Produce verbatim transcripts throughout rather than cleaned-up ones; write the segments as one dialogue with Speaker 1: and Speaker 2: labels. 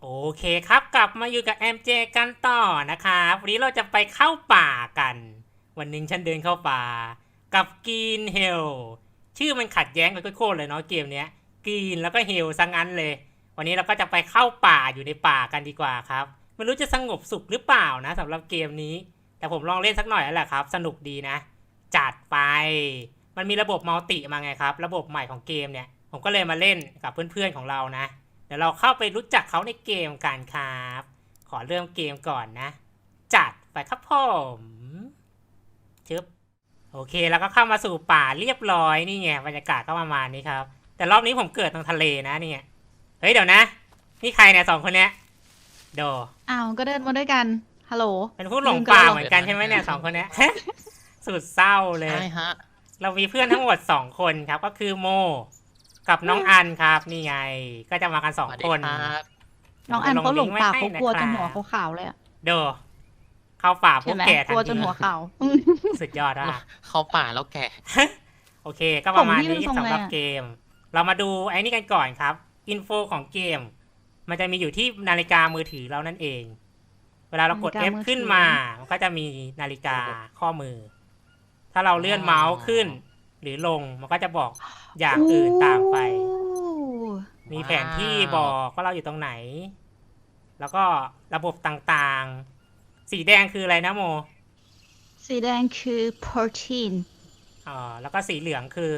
Speaker 1: โอเคครับกลับมาอยู่กับ เอ็ม เจ กันต่อนะครับวันนี้เราจะไปเข้าป่ากัน วันหนึ่งฉันเดินเข้าป่ากับกรีนเฮลชื่อมันขัดแย้งกันโคตรเลยเนาะเกมเนี้ยกรีนแล้วก็เฮลซะงั้นเลย วันนี้เราก็จะไปเข้าป่าอยู่ในป่ากันดีกว่าครับไม่รู้จะสงบสุขหรือเปล่านะสำหรับเกมนี้แต่ผมลองเล่นสักหน่อยแล้วแหละครับสนุกดีนะ จัดไปมันมีระบบมัลติมาไงครับระบบใหม่ของเกมเนี่ยผมก็เลยมาเล่นกับเพื่อนๆของเรานะเดี๋ยวเราเข้าไปรู้จักเขาในเกมกันครับขอเริ่มเกมก่อนนะ จัดไปครับผมชึบโอเคแล้วก็เข้ามาสู่ป่าเรียบร้อยนี่ไงบรรยากาศก็ประมาณนี้ครับแต่รอบนี้ผมเกิดตรงทะเลนะนี่เฮ้ยเดี๋ยวนะนี่ใครเนี่ยสองคนเนี้ยโด
Speaker 2: อ้าวก็เดินมาด้วยกันฮัลโหล
Speaker 1: เป็นผู้หลงป่าเหมือนกันใช่ไหมเนี่ยสองคนเนี้ย สุดเศร้าเลย
Speaker 3: ใช่ฮะ
Speaker 1: เรามีเพื่อนทั้งหมดสองคนครับก็คือโมกับน้องอันครับนี่ไงก็จะมากันสอง
Speaker 3: สวัสดี
Speaker 1: คน
Speaker 3: ครับ
Speaker 2: น้องอันเขาหลงป่า
Speaker 1: ดี๋
Speaker 2: เขา
Speaker 1: ยวจะ
Speaker 2: กลัว
Speaker 1: ลิ
Speaker 2: จน
Speaker 1: งก์
Speaker 2: หัว
Speaker 1: ไให้ะครับ
Speaker 2: ขาวๆเลยอะ
Speaker 1: เดอเข้าป่าพว
Speaker 2: ใช่
Speaker 1: ก
Speaker 2: ไหม
Speaker 1: แก่
Speaker 2: ก
Speaker 1: ทัน
Speaker 2: ลัวจ
Speaker 1: ที
Speaker 2: นหัวขาว
Speaker 1: สุดยอดอ่ะ
Speaker 3: เข้าป่าแล้วแก่
Speaker 1: โอเค ก็ประมาณ
Speaker 2: ผมที่
Speaker 1: นี้
Speaker 2: เป็นทรง
Speaker 1: สำหรับ
Speaker 2: อะไรอะ
Speaker 1: เกม เรามาดูไอ้นี่กันก่อนครับอินโฟของเกม มันจะมีอยู่ที่นาฬิกามือถือเรานั่นเอง เวลาเรากด F ขึ้นมามันก็จะมีนาฬิกาข้อมือ ถ้าเราเลื่อนเมาส์ขึ้น หรือลงมันก็จะบอกอย่างอื่นตามไป
Speaker 2: โอ้
Speaker 1: มีแผนที่บอกว่าเราอยู่ตรงไหน แล้วก็ระบบต่างๆ สีแดงคืออะไรนะโม
Speaker 2: สีแดงคือ protein
Speaker 1: อ่าแล้วก็สีเหลืองคือ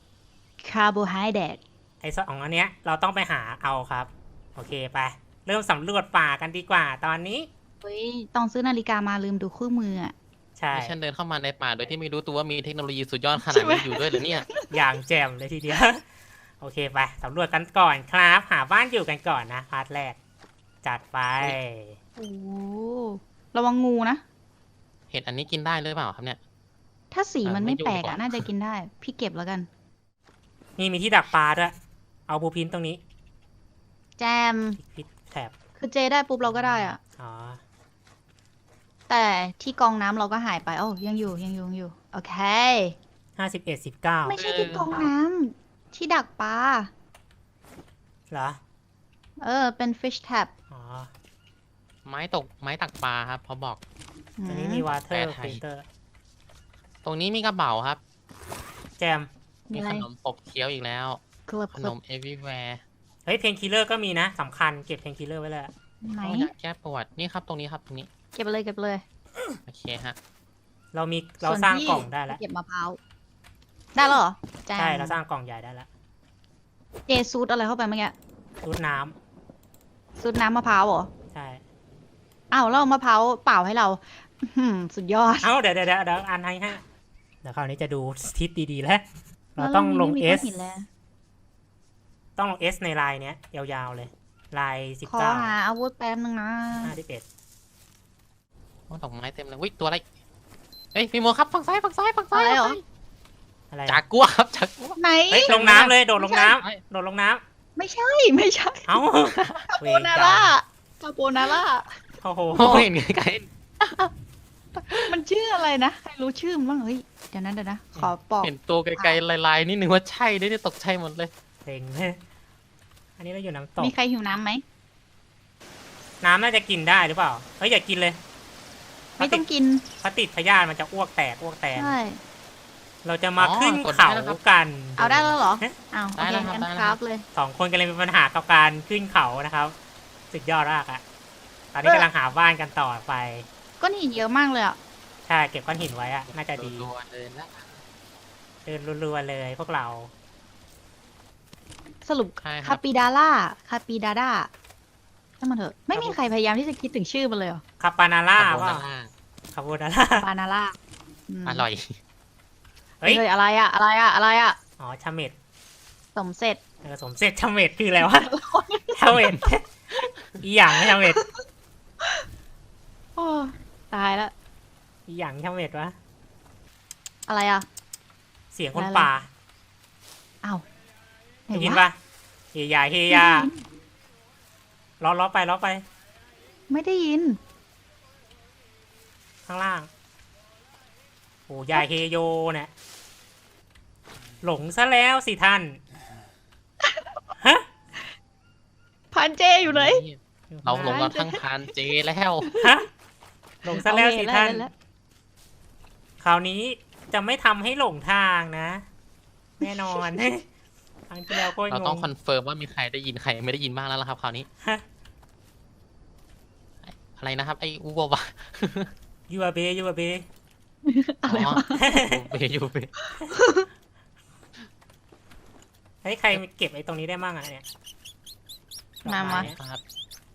Speaker 2: carbohydrate
Speaker 1: ไอ้สองอันเนี้ยเราต้องไปหาเอาครับ โอเคไป เริ่มสำรวจป่ากันดีกว่าตอนนี้
Speaker 2: เฮ้ยต้องซื้อนาฬิกามาลืมดูคู่มืออะ
Speaker 1: ใช่
Speaker 3: ที่ฉันเดินเข้ามาในป่าโดยที่ไม่รู้ตัวว่ามีเทคโนโลยีสุดยอดข
Speaker 2: ใช่
Speaker 3: นาด
Speaker 2: ไหม
Speaker 3: นี้อยู่ด้วยเหรือเนี่ย
Speaker 1: อย่างแจ่มเลยทีเดียว โอเคไปสำรวจกันก่อนครับ หาบ้านอยู่กันก่อนนะพาร์ทแรก จัดไป
Speaker 2: โอ้ระวังงูนะ
Speaker 3: เห็ดอันนี้กินได้หรือเปล่าครับเนี่ย
Speaker 2: ถ้าสี
Speaker 3: เออ
Speaker 2: มัน
Speaker 3: ไม่
Speaker 2: ไม่
Speaker 3: ยุ่ง
Speaker 2: แปลก
Speaker 3: ดีก
Speaker 2: อะ
Speaker 3: ว่า
Speaker 2: น่าจะกินได้ พี่เก็บแล้วกัน
Speaker 1: นี่มีที่ดักปลาด้วย เอาบูพินตรงนี้
Speaker 2: แจม
Speaker 1: พิษแถบ
Speaker 2: คือเจได้ปุ๊บเราก็ได้อะ
Speaker 1: อ๋อ
Speaker 2: แต่ที่กองน้ำเราก็หายไปโอ้ยังอยู่ยังอยู่ยังอยู่โอเค
Speaker 1: ห้าสิบเอ็ดสิบเก้า
Speaker 2: ไม่ใช่ที่กองน้ำที่ดักปลา
Speaker 1: เหรอ
Speaker 2: เออเป็น fish trap
Speaker 1: อ๋อ
Speaker 3: ไม้ตกไม้ตักปลาครับเขาบอก
Speaker 1: อันนี้มีวาเตอร์
Speaker 3: แปลไทย
Speaker 1: ฟิลเตอร์
Speaker 3: ตรงนี้มีกระเป๋าครับ
Speaker 1: แจม
Speaker 2: มี
Speaker 3: มี
Speaker 2: อะไร
Speaker 3: ขนมปบเคี้ยวอีกแล้ว
Speaker 2: คลับ
Speaker 3: ข
Speaker 2: คน ลับ
Speaker 3: ม everywhere
Speaker 1: เฮ้ยเพนคิลเลอร์ก็มีนะสำคัญเก็บเพนคิลเลอร์ไว้เลย
Speaker 2: ไหน
Speaker 3: โอ้ยาแก้ปวดนี่ครับตรงนี้ครับตรงนี้
Speaker 2: เก็บไปเลยเก็บไปเลย
Speaker 3: โอเคฮะ
Speaker 1: เรามีเรา
Speaker 2: ส่วน
Speaker 1: สร้าง
Speaker 2: พี่
Speaker 1: กล่องได้แล้ว
Speaker 2: เก็บมะพร้าวได้แล้วเหรอแจม
Speaker 1: ใช่เราสร้างกล่องใหญ่ได้แล้ว
Speaker 2: เจซูดอะไรเข้าไปเมื่อกี้
Speaker 1: รูดน้
Speaker 2: ซูดน้ำมะพร้าวเหรอ
Speaker 1: ำใช่
Speaker 2: อ้าวแล้วเอามะพร้าวเปล่าให้เราอื้อหือสุดยอด
Speaker 1: เอ้าเดี๋ยวเดี๋ยวเดี๋ยวเดี๋ยวอ่านให้ฮะเดี๋ยวคราวนี้จะดูทิศดีๆแล้ว เราต้องลง
Speaker 2: แล้ว
Speaker 1: เอ
Speaker 2: รา
Speaker 1: ส
Speaker 2: ไม่มีก้อนหินแล้ว
Speaker 1: ต้องลงเอสในลายเนี้ยยาวๆเลยลายสิบ
Speaker 2: ขอ
Speaker 1: เก้า
Speaker 2: หาอาวุธแป๊บนึงนะ
Speaker 1: ห้าสิบเอ็ด
Speaker 3: โอ้ดอกไม้เต็มเลยวิตัวอะไรเฮ้ยพี่โมครับฝั่งซ้ายฝั่งซ้ายฝั่งซ้า
Speaker 2: อะ
Speaker 3: ย
Speaker 2: ไรเหรอ
Speaker 1: อะไร
Speaker 3: จากกัวครับจากกัว
Speaker 2: ไหน
Speaker 1: เฮ้ยลงน้ำเลยโดดลงน้
Speaker 3: ไม่
Speaker 1: ำโดดลงน้
Speaker 2: ไม่ใช่ไม่ใช่
Speaker 1: ำเอ้า
Speaker 2: คาโบนาร่าคาโบนาร่า
Speaker 1: โอ้โห
Speaker 3: โอ้ยเห็นไกล
Speaker 2: มันชื่ออะไรนะใครรู้ชื่อมันบ้างเฮ้ยเดี๋ยวนะเดี๋ยวนะขอปอก
Speaker 3: ๆเห็นตัวไกลๆลายๆนิดนึงว่าใช่ด้วยเนี่ยตกใจหมดเลย
Speaker 1: เพลงเลยอันนี้เราอยู่น้ำตก
Speaker 2: มีใครหิวน้ำไหม
Speaker 1: น้ำน่าจะกินได้หรือเปล่าเฮ้ยอย่ากินเลย
Speaker 2: ไม่ต้องกิน
Speaker 1: ถ้าติดพยาธิมันจะอ้วกแตกอ้วกแตน
Speaker 2: ใช่
Speaker 1: เราจะมา
Speaker 3: อ๋อ
Speaker 1: ขึ้น
Speaker 3: กดได้
Speaker 1: เขา
Speaker 3: แล้วครับ
Speaker 1: กัน
Speaker 2: เอาได้แล้วเหรอ
Speaker 1: ฮะ
Speaker 2: อ้าวโอ
Speaker 3: ได้
Speaker 2: เค
Speaker 3: แล้วครับ
Speaker 2: งั้น
Speaker 3: ได้แล้ว
Speaker 2: ค
Speaker 3: ครั
Speaker 2: รับ บเลย
Speaker 1: สองคนกำลังมีปัญหากับการขึ้นเขานะครับสุดยอดมากอะตอนนี้กำลังหาบ้านกันต่อไป
Speaker 2: ก้อนหินเยอะมากเลยอ่ะ
Speaker 1: ใช่เก็บก้อนหินไว้อะน่าจะดี
Speaker 3: รัวๆเลยนะ
Speaker 1: เดินรัวๆเลยพวกเรา
Speaker 2: สรุป
Speaker 3: ใช่ค
Speaker 2: คา
Speaker 3: รับ
Speaker 2: ปิดาร่าคาปิดาร่าถ้ามันเถอะ ไม่มีใครพยายามที่จะคิดถึงชื่อมันเลยเหรอ
Speaker 1: คาปานาร่า
Speaker 3: คาโบ
Speaker 1: ว่า
Speaker 3: นาร่า
Speaker 1: คาโบนาร่า
Speaker 2: ปานาร่า
Speaker 3: อ
Speaker 2: ม
Speaker 3: ร่อย
Speaker 1: เฮ้ย
Speaker 2: เฮ้ยอะไรอะอะไรอะอะไรอะ
Speaker 1: อ๋อชาเม็ด
Speaker 2: สมเสร็จ
Speaker 1: เออสมเสร็จชาเม็ดคืออะไรวะ ชาเม็ดอีหยังชาเม็ด
Speaker 2: โอ้ตายแล้ว
Speaker 1: อีหยังชาเม็ดวะ
Speaker 2: อะไรอะ
Speaker 1: เสียงคน
Speaker 2: อะไร
Speaker 1: ป่า
Speaker 2: อ้าวไหน
Speaker 1: ได้ยิน
Speaker 2: วะ
Speaker 1: ปะเฮียาเฮียาล้อล้อไปล้อไป
Speaker 2: ไม่ได้ยิน
Speaker 1: ข้างล่างโอ้ยายเฮโยเนี่ยหลงซะแล้วสิท่านฮะ
Speaker 2: พันเจอยู่ไหน
Speaker 1: อ
Speaker 3: เราลงกันทั้งคานเจแล้ว
Speaker 1: ฮะหลงซะแล้วสิ
Speaker 2: โอเค
Speaker 1: ท่าน
Speaker 2: ได้แล้ว
Speaker 1: คราวนี้จะไม่ทำให้หลงทางนะ แน่นอน ครั้งที่แล้วก็
Speaker 3: เรา
Speaker 1: ง
Speaker 3: ต้อง
Speaker 1: ง
Speaker 3: คอนเฟิร์มว่ามีใครได้ยินใครไม่ได้ยินบ้างแล้วล่ะครับคราวนี้
Speaker 1: ฮะ
Speaker 3: อะไรนะครับไอ้อูบวะ
Speaker 1: ยูอาเบยูอาเบ
Speaker 2: อะไรวะ
Speaker 3: ยูเบยูเบ
Speaker 1: เฮ้ยใครเก็บไอ้ตรงนี้ได้มั่งอะเนี่ยดอก
Speaker 2: มา
Speaker 1: ไ
Speaker 2: มา
Speaker 1: เนี่ย
Speaker 3: ครับ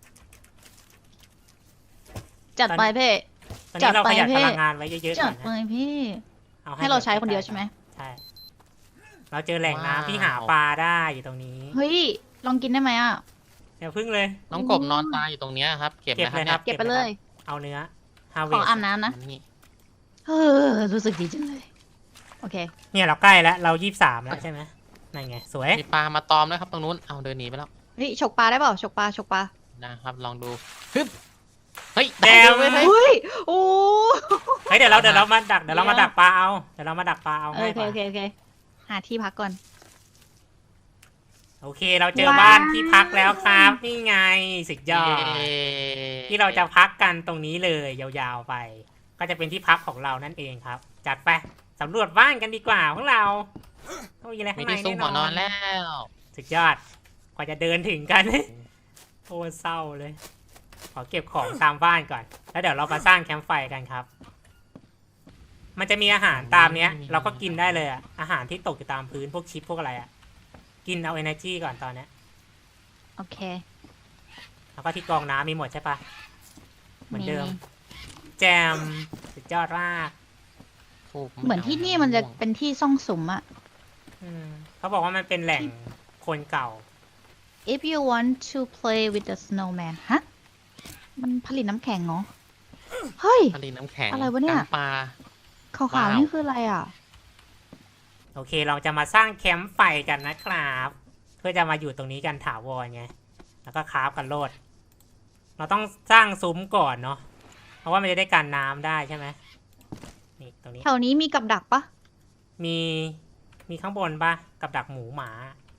Speaker 2: จัดไปเพ่
Speaker 1: ตอนนี้เรา
Speaker 2: จัดไป
Speaker 1: ประหยัด
Speaker 2: เพ่
Speaker 1: พลังงานไว้เยอะๆก่
Speaker 2: จั
Speaker 1: อ
Speaker 2: ด
Speaker 1: น
Speaker 2: ไป
Speaker 1: นะ
Speaker 2: พี่
Speaker 1: เอา
Speaker 2: ให้เราใช้คนเดียวใช่ไหม
Speaker 1: ใช่ เราเจอแหล่งน้ำที่หาปลาได้อยู่ตรงนี้
Speaker 2: เฮ้ย ลองกินได้ไหมอ่ะ
Speaker 1: อย่าพึ่งเลย
Speaker 3: น้องกบนอนตายอยู่ตรงเนี้ยครับ เก็บ
Speaker 1: เก็บ
Speaker 3: นะค
Speaker 1: เล
Speaker 3: รับ
Speaker 1: ยครับ
Speaker 2: เก็บไปเลย
Speaker 1: เอาเนื้อฮาเว
Speaker 2: ขออาบน้ำนะ
Speaker 3: นี่
Speaker 2: เออ รู้สึกดีจังเลย โอเค
Speaker 1: เนี่ยเราใกล้แล้ว เรายี่สิบสามแล้วใช่ไหมนั่นไง สวย
Speaker 3: มีปลามาตอมนะครับตรงนู้นเอาเดินหนีไปแล้ว
Speaker 2: เฮ้ย ฉกปลาได้เปล่า ฉกปลา ฉกปลา
Speaker 3: นะครับลองดูฮึบเฮ้ย
Speaker 1: แดม
Speaker 3: ได้เลยเฮ้ย
Speaker 2: เฮ้ย โอ้
Speaker 1: เฮ้ยเดี๋ยวเราเดี๋ยวเรามาดักเดี๋ยวเรามาดักปลาเอา เดี๋ยวเรามาดักปลาเอา
Speaker 2: โอ
Speaker 1: ง่าย
Speaker 2: เค
Speaker 1: กว่า
Speaker 2: โอเค โอเค หาที่พักก่อน
Speaker 1: โอเค เราเจอ
Speaker 2: ว้าว
Speaker 1: บ้านที่พักแล้วครับ นี่ไงสุดยอด
Speaker 3: เย้
Speaker 1: ที่เราจะพักกันตรงนี้เลยยาวๆไป ก็จะเป็นที่พักของเรานั่นเองครับ จัดไปสำรวจบ้านกันดีกว่าพวกเราต้องมีอะไร
Speaker 3: มี
Speaker 1: ข้างใน
Speaker 3: ที่ซุ่ม
Speaker 1: แน่
Speaker 3: หัวน
Speaker 1: น
Speaker 3: อ
Speaker 1: อน น
Speaker 3: แล้ว
Speaker 1: สุดยอดกว่าจะเดินถึงกัน โอ้เศร้าเลย ขอเก็บของตามบ้านก่อน แล้วเดี๋ยวเรามาสร้างแคมป์ไฟกันครับ มันจะมีอาหารตามเนี้ย เราก็กินได้เลยอะอาหารที่ตกอยู่ตามพื้นพวกชิปพวกอะไรอะกินเอา energy ก่อนตอนเนี้ย
Speaker 2: โอเค
Speaker 1: แล้วก็ที่กรองน้ำมีหมดใช่ปะเหมือนเดิม แจมสุดยอดมาก
Speaker 3: ถูก
Speaker 2: เหมือนที่นี่มันจะเป็นที่ซ่องสุมอะ
Speaker 1: อืมเขาบอกว่ามันเป็นแหล่งคนเก่า
Speaker 2: If you want to play with the snowman ฮะ มันผลิตน้ำแข็งเหรอ เฮ้ย
Speaker 3: ทะเลน้ำแข็ง
Speaker 2: อะไรวะเนี่ย
Speaker 3: น้ำปลา
Speaker 2: ขาว
Speaker 3: ว้าว
Speaker 2: ๆนี่คืออะไรอ่ะ
Speaker 1: โอเค เราจะมาสร้างแคมป์ไฟกันนะครับ เพื่อจะมาอยู่ตรงนี้กันถาวรไง แล้วก็คราฟกันโลด เราต้องสร้างซุ้มก่อนเนาะ เพราะว่ามันจะได้กันน้ำได้ใช่ไหมนี่ตรงนี้
Speaker 2: แถวนี้มีกับดักปะ
Speaker 1: มี มีข้างบนปะกับดักหมูหมา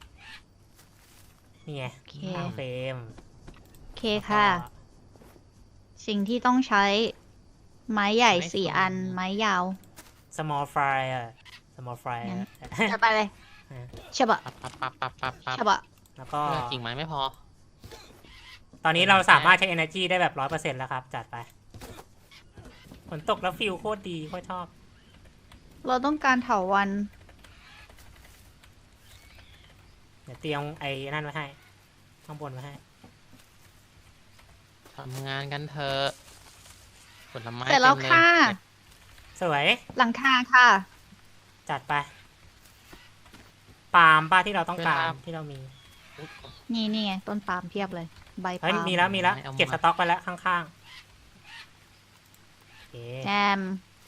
Speaker 1: นี่ไง
Speaker 2: โอเค
Speaker 1: สร้างเฟรม
Speaker 2: โอเคค่ะ
Speaker 1: แล้วก็
Speaker 2: สิ่งที่ต้องใช้ ไม้ใหญ่สี่อัน ไม้ยาว
Speaker 1: small fry อะ small fry
Speaker 2: งั้น
Speaker 1: อะ
Speaker 2: จะไปเลย
Speaker 1: อ่า
Speaker 2: ใช่ปะ
Speaker 3: ปั๊บปั๊บปั๊บปั๊บปั๊บปั๊บ
Speaker 2: ใช่ปะ
Speaker 1: แล้วก็
Speaker 3: เลือกกิ่งไม้ไม่พอ
Speaker 1: ตอนนี้เราสามารถใช้ energy ได้แบบร้อยเปอร์เซ็นต์แล้วครับ จัดไป ฝนตกแล้วฟิลโคตรดีโคตรชอบ
Speaker 2: เราต้องการเถาวัน
Speaker 1: เดี๋ยวเตรียมไอ้นั่นไว้ให้ ข้างบนไว้ให้
Speaker 3: ทำงานกันเถอะผลไม้
Speaker 2: เสร็จแล้ว
Speaker 3: ต็มเย
Speaker 2: ค่ะ
Speaker 1: สวย
Speaker 2: หลังคาค่ะ
Speaker 1: จัดไป ปาล์มป้าที่เราต้องการที่เรามี
Speaker 2: นี่นี่ไง ต้นปาล์มเพียบเลย ใบ
Speaker 1: เฮ้ย
Speaker 2: ปาล์ม
Speaker 1: มีแล้วมีแล้ว เก็บสต็อกไปแล้วข้างๆโอเค
Speaker 2: แจม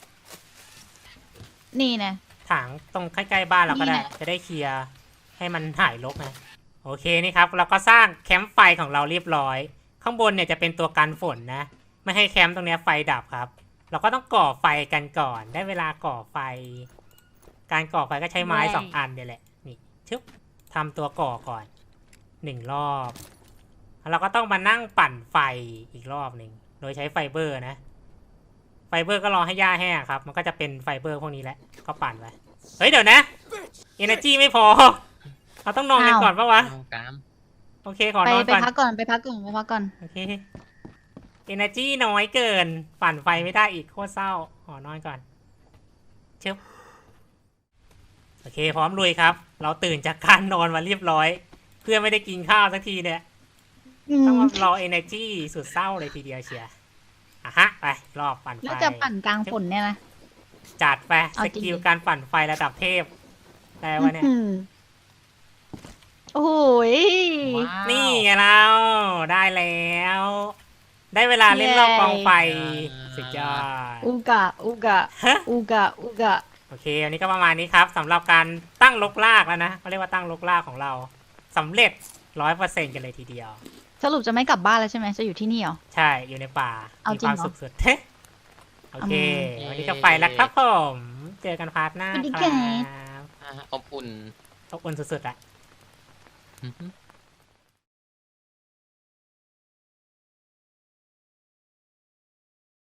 Speaker 2: นี่นะ
Speaker 1: ถังตรงใกล้ๆบ้านเราก็ได้
Speaker 2: นี่แหละ
Speaker 1: จะได้เคลียร์ให้มันหายรกนะโอเคนี่ครับ เราก็สร้างแคมป์ไฟของเราเรียบร้อย ข้างบนเนี่ยจะเป็นตัวกันฝนนะ ไม่ให้แคมป์ตรงเนี้ยไฟดับครับ เราก็ต้องก่อไฟกันก่อน ได้เวลาก่อไฟ การก่อไฟก็ใช้ไม้สองอันเนี่ยแหละ นี่ชึบทำตัวก่อก่อนหนึ่งรอบแล้วเราก็ต้องมานั่งปั่นไฟอีกรอบหนึ่งโดยใช้ไฟเบอร์นะ ไฟเบอร์ก็รอให้หญ้าแห้งครับ มันก็จะเป็นไฟเบอร์พวกนี้แหละ ก็ปั่นไป เฮ้ยเดี๋ยวนะ energy ไม่พอ เราต้องนอนกันก่อนปะวะ
Speaker 3: เอากาม
Speaker 1: โอเคขอ
Speaker 2: ไป
Speaker 1: นอน
Speaker 2: ไป
Speaker 1: ก่อน
Speaker 2: พักก่อน ไปพักก่อน ไปพักก่อน
Speaker 1: โอเค energy น้อยเกิน ปั่นไฟไม่ได้อีกโคตรเศร้า ขอนอนก่อนเชิบโอเค พร้อมลุยครับ เราตื่นจากการนอนมาเรียบร้อย เพื่อไม่ได้กินข้าวสักทีเนี่ย
Speaker 2: อื
Speaker 1: ต้อง
Speaker 2: ม
Speaker 1: มารอ energy สุดเศร้าเลยทีเดียวเชียร์อ่ะฮะ ไป รอบปั่นไฟ
Speaker 2: แล้วจะปั่นกลางฝนเนี่ยนะ
Speaker 1: จัดไป
Speaker 2: เอา
Speaker 1: ส
Speaker 2: จริง
Speaker 1: กิลการปั่นไฟระดับเทพได้วะเนี่ย
Speaker 2: อื้อหือโอ้โหย
Speaker 3: ว้าว
Speaker 1: นี่ไงเราได้แล้ว ได้เวลาเล่นรอบกองไฟ สุดยอด
Speaker 2: อุกะ อุกะ
Speaker 1: ฮะ
Speaker 2: อุกะ อุกะ
Speaker 1: โอเควันนี้ก็ประมาณนี้ครับสำหรับการตั้งลกลากแล้วนะเขาเรียกว่าตั้งลกลากของเราสำเร็จร้อยเปอร์เซ็นต์กันเลยทีเดียว
Speaker 2: สรุปจะไม่กลับบ้านแล้วใช่ไหม จะอยู่ที่นี่เหรอ
Speaker 1: ใช่อยู่ในป่า
Speaker 2: เอา
Speaker 1: มี
Speaker 2: จริ
Speaker 1: ค
Speaker 2: ง
Speaker 1: วาม
Speaker 2: เหรอ
Speaker 1: สุขสุด โอเค
Speaker 3: อืม
Speaker 1: วันนี้ก็ไปแล้วครับผม เจอกันพาร์ทหน้า
Speaker 2: สวัสดี
Speaker 1: ค
Speaker 2: ครั
Speaker 1: รับ
Speaker 3: อ่าอบอุ่น
Speaker 1: ขอบคุณสุดๆอะ
Speaker 3: อือหือ